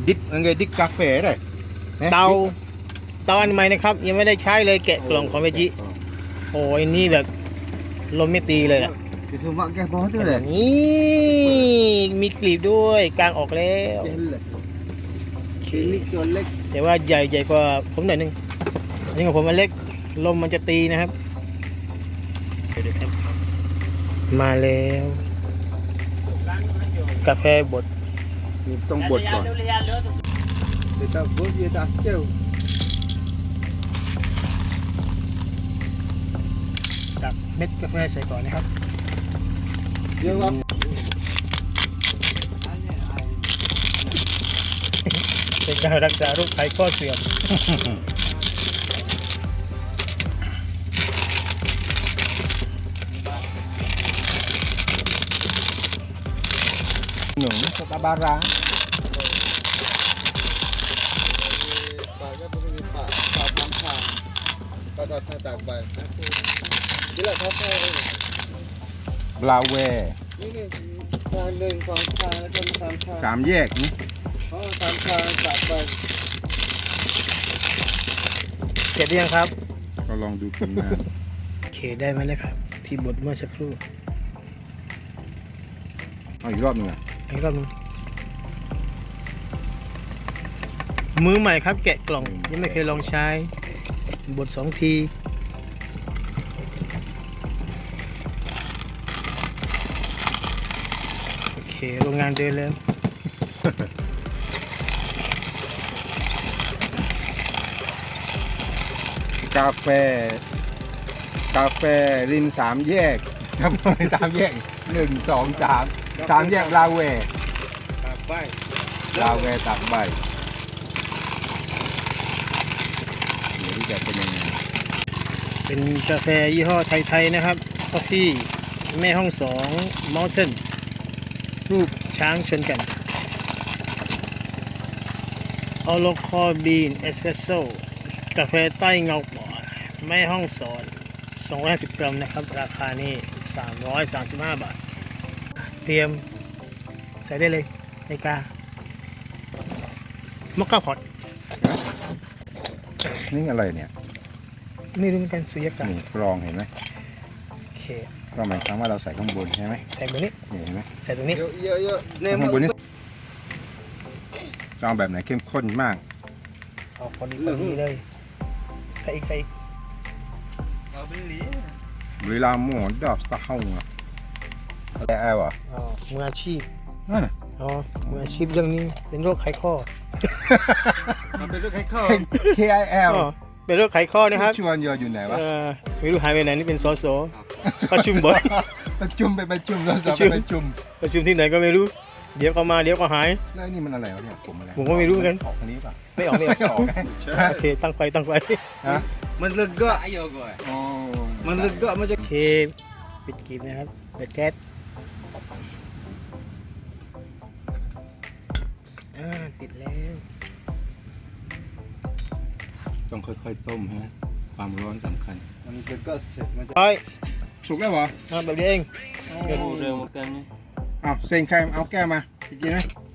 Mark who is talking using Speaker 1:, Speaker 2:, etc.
Speaker 1: ดิกอะไรดิกกาแฟได้
Speaker 2: เตาอันใหม่นะครับยังไม่ได้ใช้เลยแกะกล่องของเวจิโอ้ยนี่แบบลมไม่ตีเลยอ่ะ
Speaker 3: Kesumak ke bawah tu dah.
Speaker 2: นี่มีกลีบด้วยกลางออกแล้ว
Speaker 3: Ini colek.
Speaker 2: แต่ว่าใหญ่กว่าผมหน่อยนึงอันนี้ของผมมันเล็กลมมันจะตีนะครับเดี๋ยวครับมาแล้วกาแฟบด
Speaker 1: ต้องบดก่อน
Speaker 3: Dia tak bot, dia tak jauh.
Speaker 2: ตักเม็ดกาแฟใส่ก่อนนะครับ
Speaker 3: Dia buat
Speaker 2: เป็นการรักษาโรคไขข้อเสื่อม
Speaker 1: หนุ่มสตาบารา
Speaker 3: Pak begini Pak, Pak Pampang. Pak Sata tak baik. Gila Sata ini.
Speaker 1: บลาเว
Speaker 3: Ini Pandeng, Pampang, macam Pampang.
Speaker 1: สามแยกนี่
Speaker 3: Oh, Pampang tak baik.
Speaker 2: เสร็จหรือยังครับ
Speaker 1: ก็ลองดูผลงาน
Speaker 2: โอเคได้ไหมเลยครับ ที่บดเมื่อสักครู่
Speaker 1: เอาอีกรอบหนึงอ่ะ
Speaker 2: อีกรอบนึงมือใหม่ครับแกะกล่องยังไม่เคยลองใช้บด2 ทีโอเคโรงงานเดินแล้ว
Speaker 1: กาแฟรินสามแยกครับสามแยก1 2 3 3แยกลาเว
Speaker 3: Tak baik.
Speaker 1: ลาเวตักใบเดี๋ยวที่จะเป็นยังไง
Speaker 2: เป็นกาแฟยี่ห้อไทยๆนะครับกาแฟแม่ห้อง2 Mountain รูปช้างชนกันออโลคอบีนเอสเปรสโซ่กาแฟใต้เงาปอแม่ห้องสอน250 กรัมนะครับ ราคานี่335 บาท เตรียมใส่ได้เลยในกามอคค่าพอต
Speaker 1: นี่อะไรเนี่ย
Speaker 2: ไม่รู้เหมือนกันสุญญากาศ
Speaker 1: นี่กรองเห็นไหม
Speaker 2: โอเค
Speaker 1: ก็หมายความว่าเราใส่ข้างบนใช่ไหม
Speaker 2: ใส่ตรงนี้
Speaker 1: นี่เห็นไหม
Speaker 2: ใส่ตรงนี้
Speaker 3: Yuk, yuk, yuk. Ni
Speaker 1: ข้างบนนี่จะเอาแบบไหนเข้มข้นมาก
Speaker 2: เอาพอดีเลยใส่อีก
Speaker 3: Kau beli.
Speaker 1: เวลาหมอดอกสตาร์ห้องอ่ะแต่แอลอ่ะ
Speaker 2: อ๋อมืออาชีพ
Speaker 1: นั่นน่ะ
Speaker 2: อ๋อมืออาชีพเรื่องนี้เป็นโรคไขข้อ
Speaker 3: Ambil duk kau.
Speaker 1: KIL
Speaker 2: อ๋อเป็นโรคไขข้อนะครับ
Speaker 1: ชวนโยอยู่ไหนวะ
Speaker 2: ไม่รู้หายไปไหนนี่เป็นสสประชุมบ่อย
Speaker 1: ประชุมไปประชุมเราสอบไปประชุม
Speaker 2: ประชุมที่ไหนก็ไม่รู้ เดี๋ยวก็มาเดี๋ยวก็หาย
Speaker 1: แล้วนี่มันอะไรวะเนี่ยผมอะไร
Speaker 2: ผมก็ไม่รู้เหมือนกัน
Speaker 1: ออกอันนี้ป่ะ
Speaker 2: ไม่ออก
Speaker 1: ไม่ออกไง
Speaker 2: โอเคตั้งไฟ
Speaker 1: ฮะ
Speaker 3: Melegak.
Speaker 1: อ๋อ
Speaker 3: Melegak macam
Speaker 2: โอเคปิดกีบนะครับเปิดแก๊สติดแล้ว
Speaker 1: ต้องค่อยๆต้มฮะความร้อนสำคัญ
Speaker 3: melegak set macam
Speaker 2: ร้อย
Speaker 1: สุกแล้วเหรอ
Speaker 2: แบบนี้เอง
Speaker 3: oh, dah makan ni.
Speaker 1: อ้าวเซ็งใครเอาแก้วมาไปกินไหม